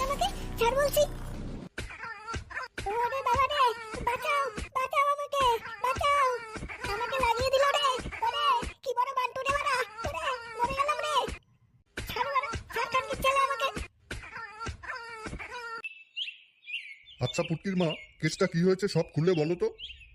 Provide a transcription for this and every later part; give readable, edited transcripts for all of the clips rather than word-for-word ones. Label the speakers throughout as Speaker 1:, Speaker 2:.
Speaker 1: আমাকে, ছাড় বলছি। ওরে বাবা রে, বাঁচাও বাঁচাও আমাকে, বাঁচাও, আমাকে লাগিয়ে দিল রে। ওরে কি বড় বান্টু রে বাড়া, ওরে মরে গেলাম রে। ছাড় বাড়া, ছাড় কানকির ছেলে আমাকে।
Speaker 2: আচ্ছা পুটকির মা, কেসটা কি হয়েছে সব খুলে বলো তো।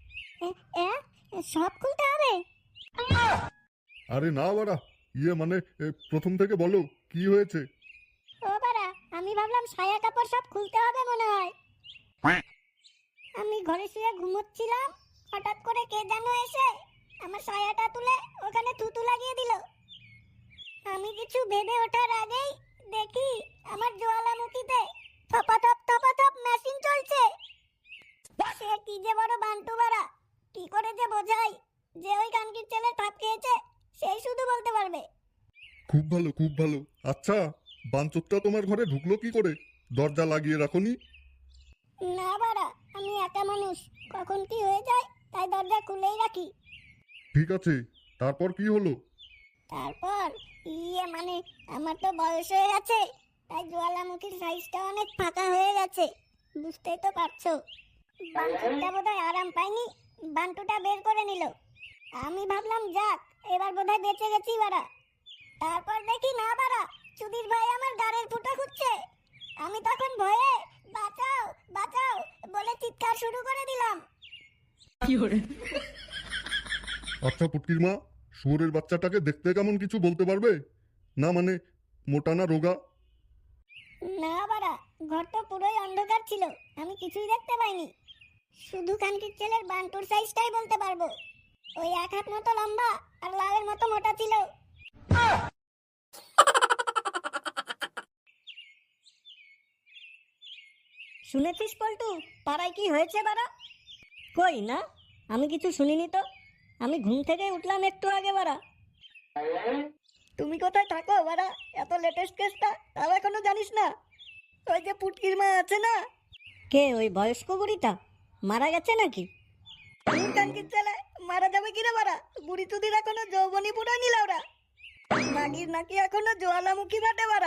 Speaker 1: সব খুলতে হবে?
Speaker 2: আরে না বাড়া, মানে প্রথম থেকে বলো কি হয়েছে।
Speaker 1: ও বাড়া, আমি ভাবলাম সায়া কাপড় সব খুলতে হবে মনে হয়। আমি ঘরে শুয়ে ঘুমোচ্ছিলাম, হঠাৎ করে কে যেন এসে আমার সায়াটা তুলে ওখানে থুতু লাগিয়ে দিল। আমি কিছু ভেবে ওঠার আগেই দেখি আমার জ্বালামুখীতে থপাথপ মেশিন চলছে। সে কি যে বড় বান্টু বাড়া, কি করে যে বোঝাই যে ওই কানকির ছেলে ঠাপ খেয়েছে সেই শুধু বলতে পারবে।
Speaker 2: খুব ভালো খুব ভালো। আচ্ছা, বাঞ্চোতটা তোমার ঘরে ঢুকলো কি করে? দরজা লাগিয়ে রাখোনি?
Speaker 1: না বাড়া, আমি একা মানুষ, কখন কি হয়ে যায় তাই দরজা খুলেই রাখি।
Speaker 2: ঠিক আছে, তারপর কি হলো?
Speaker 1: তারপর মানে আমার তো বয়স হয়ে গেছে, তাই জ্বালামুখীর সাইজটা অনেক ফাঁকা হয়ে গেছে, বুঝতেই তো পারছো। বান্টুটা বোধহয় আরাম পায়নি, বান্টুটা বের করে নিল। আমি ভাবলাম যাক, এবার বোধহয় বেঁচে গেছি বাড়া। তারপর দেখি না বাড়া, চুদির ভাই আমার গাড়ির ফুটা খুঁজছে। আমি তখন ভয়ে বাঁচাও বাঁচাও বলে চিৎকার শুরু করে দিলাম।
Speaker 2: আচ্ছা পুটকির মা, শুয়োরের বাচ্চাটাকে দেখতে কেমন কিছু বলতে পারবে? না মানে মোটা না রোগা?
Speaker 1: না বাড়া, ঘর তো পুরোই অন্ধকার ছিল, আমি কিছুই দেখতে পাইনি। শুধু কানকির ছেলের বান্টুর সাইজটাই বলতে পারবো। ওই 1 হাত মতো লম্বা আর লালের মতো মোটা ছিল। শুনেছিস পল্টু, পাড়ায় কি হয়েছে বাড়া? কই না, আমি কিছু শুনিনি তো। আমি ঘুম থেকে উঠলাম একটু আগে বাড়া। তুমি কোথায় থাকো বাড়া? এত লেটেস্ট কেসটা তাও এখনো জানিস না? ওই যে পুটকির মা আছে না? কে ওই বয়স্ক বুড়িটা? মারা গেছে নাকি? কানকির ছেলে মারা যাবে কিরে বাড়া? বুড়ি চুদির এখনো যৌবনী পুরো নিল ওরা। মাগির নাকি এখনো জ্বালামুখী বাটে বাড়া।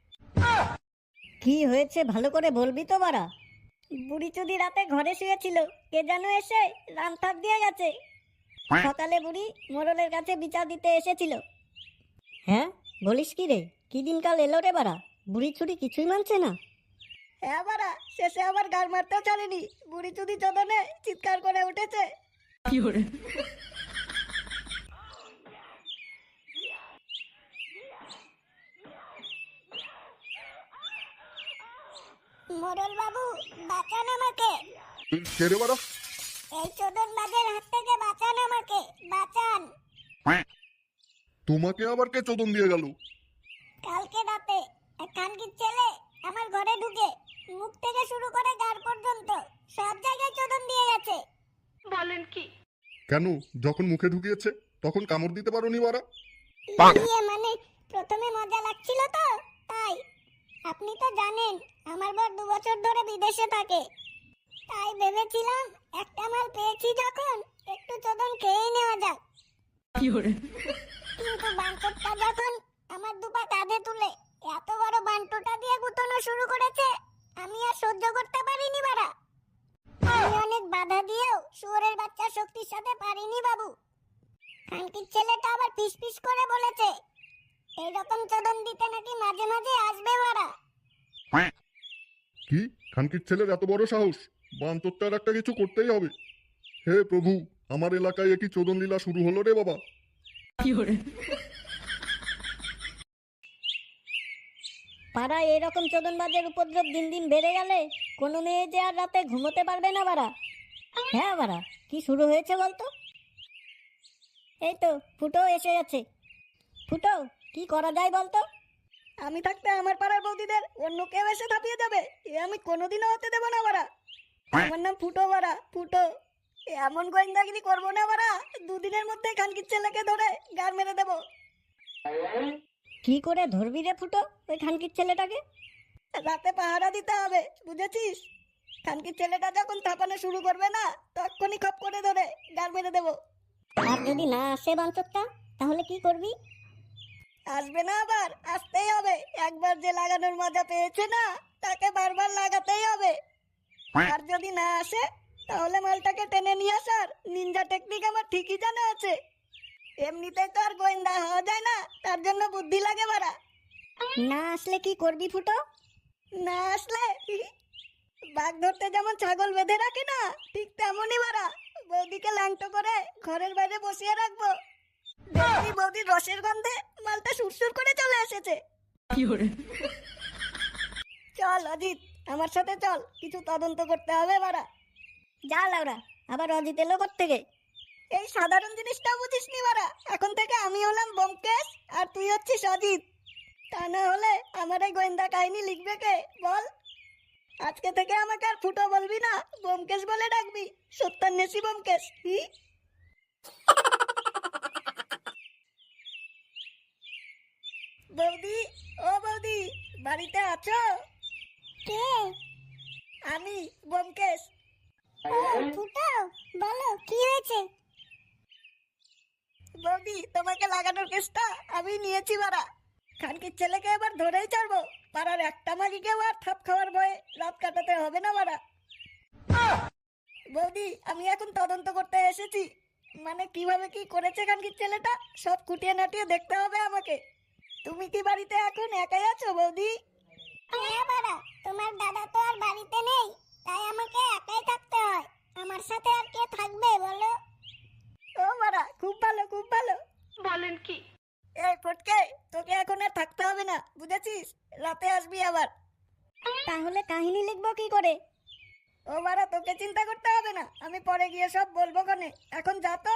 Speaker 1: কি হয়েছে ভালো করে বলবি তো বাড়া? বুড়ি চুদি রাতে ঘরে শুয়েছিল, কে যেন এসে রামথাপ দিয়ে গেছে। সকালে বুড়ি মোড়লের কাছে বিচার দিতে এসেছিল। হ্যাঁ বলিস কি রে, কি দিনকাল এলো রে বাড়া, বুড়ি চুরি কিছুই মানছে না। হ্যাঁ বাড়া, শেষে আবার গাড় মারতেও ছাড়েনি, বুড়ি চুদি চোদনে চিৎকার করে উঠেছে। মোড়ল বাবু, বাঁচান আমাকে।
Speaker 2: কে রে বাড়া?
Speaker 1: এই চোদন বাজের হাত থেকে বাঁচান আমাকে, বাঁচান।
Speaker 2: তোমাকে আবার কে চোদন দিয়ে গেল?
Speaker 1: কালকে রাতে এক কানকির ছেলে আমার ঘরে ঢুকে মুখ থেকে শুরু করে গাড় পর্যন্ত সব জায়গায় চোদন দিয়ে গেছে।
Speaker 3: বলেন কি?
Speaker 2: কেন, যখন মুখে ঢুকিয়েছে তখন কামড় দিতে পারোনি বাড়া?
Speaker 1: মানে প্রথমে মজা লাগছিল তো তাই। আপনি তো জানেন আমার বর 2 বছর ধরে বিদেশে থাকে, তাই ভেবেছিলাম একটা মাল পেয়েছি যখন একটু চোদন খেয়ে নেওয়া যাক। কিন্তু বান্টুটা যখন আমার দুপা কাঁধে তুলে এত বড় বান্টুটা দিয়ে গুতানো শুরু করেছে, আমি আর সহ্য করতে পারিনি বাড়া। আমি অনেক বাধা দিয়েও শুয়োরের বাচ্চার শক্তির সাথে পারিনি বাবু। কানকির ছেলেটা আবার ফিস করে বলেছে এইরকম চোদন দিতে নাকি মাঝে মাঝে আসবে বাড়া।
Speaker 2: কি, খানকির ছেলের এত বড় সাহস? বাঞ্চোতটার একটা কিছু করতেই হবে। হে প্রভু, আমার এলাকায় একই চোদন লীলা শুরু হলো রে বাবা।
Speaker 1: পাড়ায় এরকম চোদনবাজের উপদ্রব দিন দিন বেড়ে গেলে কোনো মেয়ে যে আর রাতে ঘুমোতে পারবে না বাড়া। হ্যাঁ বাড়া, কি শুরু হয়েছে বলতো? এই তো ফুটো এসে গেছে। ফুটো, কি করা যায় বলতো? আমি থাকতে আমার পাড়ার বৌদিদের অন্য কেউ এসে ধাপিয়ে যাবে, এ আমি কোনোদিনও হতে দেবো না বাড়া। আমার নাম ফুটো বাড়া, ফুটো। এমন গোয়েন্দাগিরি করবো না বাড়া, 2 দিনের মধ্যে কানকির ছেলেকে ধরে গার মেরে দেবো। কি করে ধরবি রে ফুটো ওই খানকির ছেলেটাকে? রাতে পাহারা দিতে হবে, বুঝেছিস? খানকির ছেলেটা যখন থাপানো শুরু করবে না, তখনই খপ করে ধরে গার মেরে দেবো। আর যদি না আসে বাঞ্চোতটা, তাহলে কি করবি? আসবে না, আবার আসতেই হবে। একবার যে লাগানোর মজা পেয়েছে না, তাকে বারবার লাগাতেই হবে। আর যদি না আসে তাহলে মালটাকে টেনে নিয়ে আসার নিনজা টেকনিক আমার ঠিকই জানা আছে। এমনিতেই তো আর গোয়েন্দা হওয়া যায় না, তার জন্য বুদ্ধি লাগে বাড়া। না আসলে কি করবি ফুটো? না আসলে বাঘ ধরতে যেমন ছাগল বেঁধে রাখে না, ঠিক তেমনই বাড়া বৌদিকে ল্যাংটো করে ঘরের বাইরে বসিয়ে রাখবো। দেখবি বৌদির রসের গন্ধে মালটা সুরসুর করে চলে এসেছে। চল অজিত, আমার সাথে চল, কিছু তদন্ত করতে হবে বাড়া। যা লাউরা, আবার অজিত এলো থেকে। এই সাধারণ জিনিসটা বুঝিস নি বাড়া, এখন থেকে আমি হলাম ব্যোমকেশ আর তুই হচ্ছিস অজিত। তা না হলে আমার এই গোয়েন্দা কাহিনী লিখবে কে বল? আজকে থেকে আমাকে আর ফুটো বলবি না, ব্যোমকেশ বলে ডাকবি, সত্যান্বেষী ব্যোমকেশ। বৌদি, ও বৌদি, বাড়িতে আছো? কে? আমি ব্যোমকেশ। ফুটো, বলো কি হয়েছে? বৌদি, তোমাকে লাগানোর কেসটা আমি নিয়েছি বাড়া। খানকির ছেলেকে এবার ধরেই ছাড়বো। পাড়ার একটা মাগিকেও আর থাপ খাওয়ার ভয়ে রাত কাটাতে হবে না বাড়া। বৌদি, আমি এখন তদন্ত করতে এসেছি। মানে কিভাবে কি করেছে খানকির ছেলেটা সব খুঁটিয়ে নাটিয়ে দেখতে হবে আমাকে। তুমি কি বাড়িতে এখন একাই আছো বৌদি? হ্যাঁ বাড়া, তোমার দাদা তো আর বাড়িতে নেই, তাই আমাকে একাই থাকতে হয়। আমার সাথে আর কে থাকবে বলো? ও বাড়া, খুব ভালো খুব ভালো।
Speaker 3: বলেন কি?
Speaker 1: এই ফটকে, তোকে এখন আর থাকতে হবে না, বুঝেছিস? রাতে আসবি আবার। তাহলে কাহিনী লিখবো কি করে? ও বাড়া, তোকে চিন্তা করতে হবে না, আমি পরে গিয়ে সব বলবো কনে। এখন যা তো।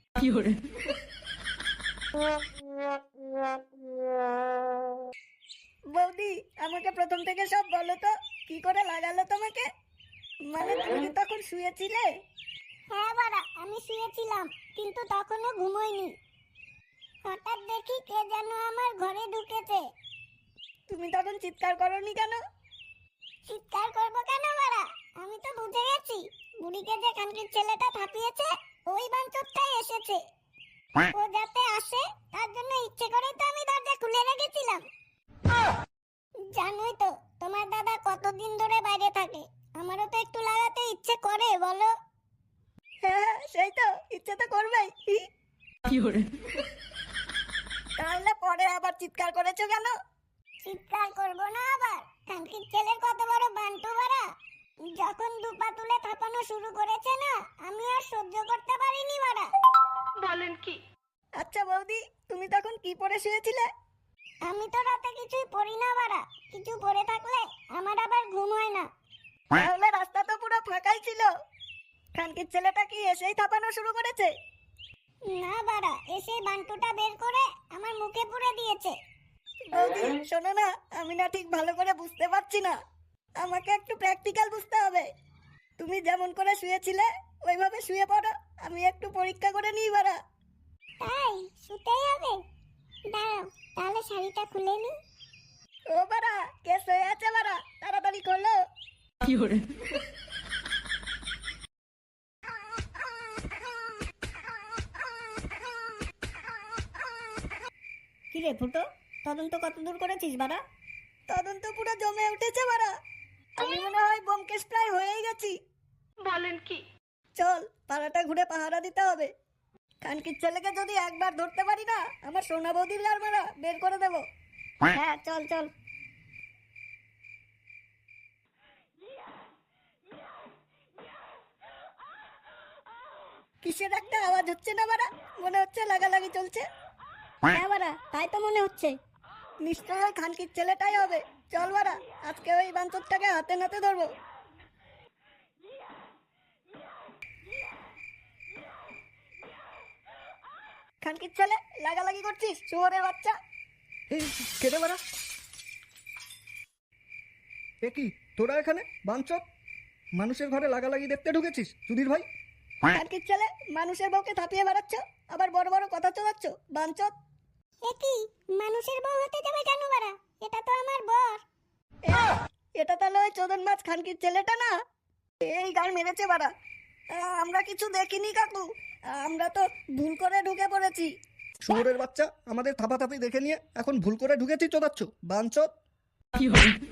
Speaker 1: বৌদি, আমাকে প্রথম থেকে সব বলো তো, কি করে লাগালো তোমাকে? মানে তুমি তখন শুয়েছিলে? হ্যাঁ বাড়া, আমি শুয়েছিলাম, কিন্তু তখনও ঘুমোইনি। হঠাৎ দেখি কে যেন আমার ঘরে ঢুকেছে। তুমি তখন চিৎকার করনি কেন? চিৎকার করবো কেন বাড়া? আমি তো বুঝে গেছি বুড়িকে যে খানকির ছেলেটা থাপিয়েছে ওই বাঞ্চতটাই এসেছে। ও যাতে আসে তার জন্য ইচ্ছে করে তো আমি দরজা খুলে রেখেছিলাম। জানোই তো তোমার দাদা কতদিন ধরে বাইরে থাকে, আমারও তো একটু লাগাতে ইচ্ছে করে বলো। হ্যাঁ সেই তো, ইচ্ছে তো করবেই। তাহলে পরে আবার চিৎকার করেছো কেন? চিৎকার করবো না আবার? খানকির ছেলের কত বড় বান্টু বাড়া, যখন দুপা তুলে থাপানো শুরু করেছে না, আমি আর সহ্য করতে পারিনি বাড়া।
Speaker 3: বলেন কি?
Speaker 1: আচ্ছা বৌদি, তুমি তখন কি পরে শুয়েছিলে? আমি তো রাতে কিছুই পড়ি না বাড়া, কিছু পরে থাকলে আমার আবার ঘুম হয় না। তাহলে রাস্তা তো পুরো ফাঁকাই ছিল, খানকির ছেলেটা কি এসেই থাপানো শুরু করেছে? না বাড়া, এসেই বান্টুটা বের করে আমার মুখে পুরে দিয়েছে। বৌদি শোনো না, আমি না ঠিক ভালো করে বুঝতে পারছি না, আমাকে একটু প্র্যাকটিক্যাল বুঝতে হবে। তুমি যেমন করে শুয়েছিলে ওইভাবে শুয়ে পড়ো, আমি একটু পরীক্ষা করে নিই বাড়া। তাই শুতেই হবে? দাঁড়াও, তাহলে শাড়িটা খুলে নি। ও বাড়া, কে শুয়ে আছে বাড়া, তাড়াতাড়ি খোলো। কিরে ফুটো, তদন্ত কত দূর করেছিস বাড়া? তদন্ত পুরো জমে উঠেছে বাড়া, আমি মনে হয় ব্যোমকেশ প্রায় হয়েই গেছি।
Speaker 3: বলেন কি?
Speaker 1: চল, পাড়াটা ঘুরে পাহারা দিতে হবে। খানকির ছেলেকে যদি একবার ধরতে পারি না, আমার সোনা বৌদির গার মারা বের করে দেবো। হ্যাঁ চল চল। কিসের একটা আওয়াজ হচ্ছে না বাড়া, মনে হচ্ছে লাগালাগি চলছে। হ্যাঁ বাড়া, তাই তো মনে হচ্ছে। নিশ্চয় ওই খানকির ছেলেটাই হবে। চল বাড়া, আজকে ওই বাঞ্চতটাকে হাতে নাতে ধরবো। খানকির ছেলে, লাগালাগি করছিস শুয়োরের বাচ্চা।
Speaker 4: এই কেটে বেড়া। এ কি তোরা এখানে বাঞ্চত? মানুষের ঘরে লাগালাগি দেখতে ঢুকেছিস সুধীর ভাই?
Speaker 1: খানকির ছেলে, মানুষের বউকে থাপিয়ে বেড়াচ্ছ, আবার বড় বড় কথা চলাচ্ছ বাঞ্চত। এ কি, মানুষের বউ হতে যাবে কেন বাড়া? এটা তো আমার বর। এটা তাহলে ওই চোদন মাছ খানকির ছেলেটা না? এই গাল মেরেছে বাড়া। আমরা কিছু দেখিনি কাকু, আমরা তো ভুল করে ঢুকে পড়েছি।
Speaker 4: শুয়োরের বাচ্চা, আমাদের থাপাথাপি দেখে নিয়ে এখন ভুল করে ঢুকেছি চোদাচ্ছ বাঞ্চত।